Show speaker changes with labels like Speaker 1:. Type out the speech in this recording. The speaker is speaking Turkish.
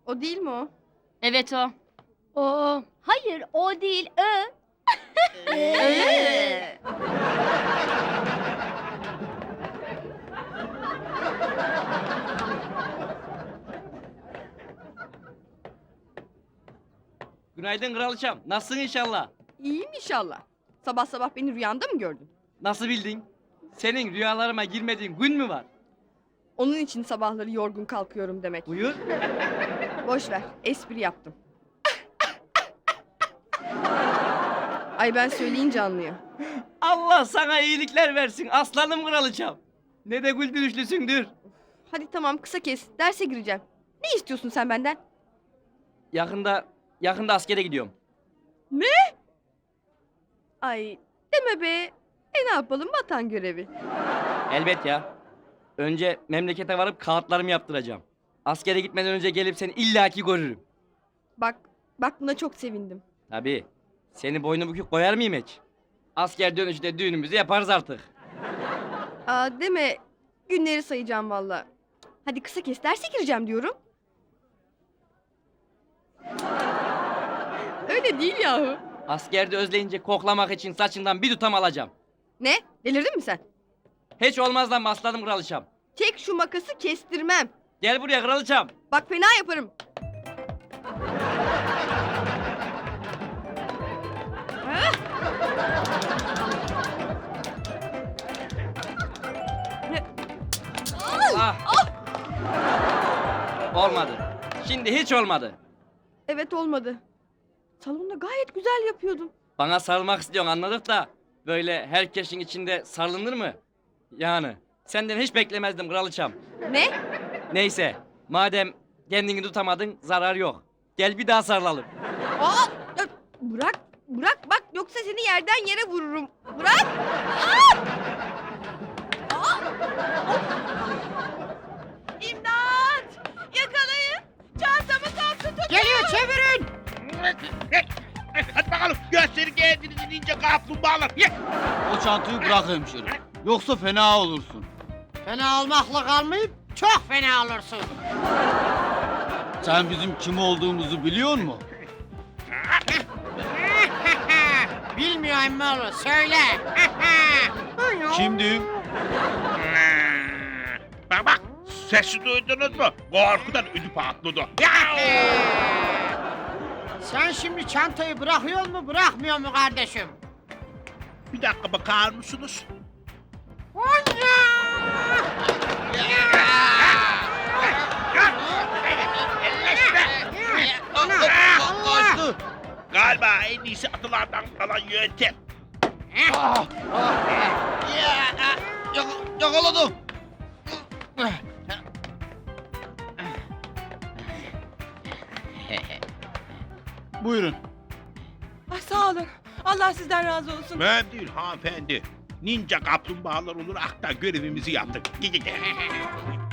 Speaker 1: O değil mi o?
Speaker 2: Evet o.
Speaker 3: O.
Speaker 2: Hayır o değil ö.
Speaker 4: Günaydın kraliçem. Nasılsın inşallah?
Speaker 1: İyiyim inşallah. Sabah sabah beni rüyanda mı gördün?
Speaker 4: Nasıl bildin? Senin rüyalarıma girmediğin gün mü var?
Speaker 1: Onun için sabahları yorgun kalkıyorum demek.
Speaker 4: Buyur.
Speaker 1: Boş ver, espri yaptım. Ay ben söyleyince anlıyor.
Speaker 4: Allah sana iyilikler versin aslanım kraliçem. Ne de güldürüşlüsündür.
Speaker 1: Hadi tamam kısa kes, derse gireceğim. Ne istiyorsun sen benden?
Speaker 4: Yakında askere gidiyorum.
Speaker 1: Ay deme be. Ne yapalım vatan görevi.
Speaker 4: Elbet ya. Önce memlekete varıp kağıtlarımı yaptıracağım. Askere gitmeden önce gelip seni illaki görürüm.
Speaker 1: Bak buna çok sevindim.
Speaker 4: Tabii. Seni boynu bükük koyar mıyım hiç? Asker dönüşte düğünümüzü yaparız artık.
Speaker 1: Aa deme. Günleri sayacağım valla. Hadi kısa kes, derse gireceğim diyorum. Öyle değil yahu.
Speaker 4: Askerde özleyince koklamak için saçından bir tutam alacağım.
Speaker 1: Ne? Delirdin mi sen?
Speaker 4: Hiç olmaz lan aslanım kraliçem.
Speaker 1: Çek şu makası kestirmem.
Speaker 4: Gel buraya kraliçem.
Speaker 1: Bak fena yaparım.
Speaker 4: Ah. Olmadı. Şimdi hiç olmadı.
Speaker 1: Evet olmadı. Salonda gayet güzel yapıyordun.
Speaker 4: Bana sarılmak istiyorsun anladık da böyle herkesin içinde sarılınır mı? Yani senden hiç beklemezdim kraliçem.
Speaker 1: Ne?
Speaker 4: Neyse madem kendini tutamadın zarar yok. Gel bir daha sarılalım.
Speaker 1: Aa! Bırak bak yoksa seni yerden yere vururum. Bırak! İmdat! Yakalayın! Çantamı kaptı tut!
Speaker 3: Geliyor çevirin.
Speaker 5: Hadi bakalım gösterin kendinizi ninja kaplumbağalar. Ye.
Speaker 6: O çantayı bırak hemşerim. Yoksa fena olursun.
Speaker 3: Fena olmakla kalmayıp çok fena olursun.
Speaker 6: Sen bizim kim olduğumuzu biliyor musun?
Speaker 3: Bilmiyor emmoğlu söyle.
Speaker 6: Kimdi?
Speaker 5: Bak sesi duydunuz mu? Korkudan ödü patladı. Ya!
Speaker 3: Sen şimdi çantayı bırakıyor mu bırakmıyor mu kardeşim?
Speaker 5: Bir dakika bakar mısınız?
Speaker 6: Kaçtı.
Speaker 5: Galiba en iyisi atılardan kalan yöntem.
Speaker 6: Yakaladım. Buyurun.
Speaker 1: Ah, sağ olun. Allah sizden razı olsun.
Speaker 5: Ben değil hanımefendi. Ninja kaplumbağalar olarak da görevimizi yaptık. Gel.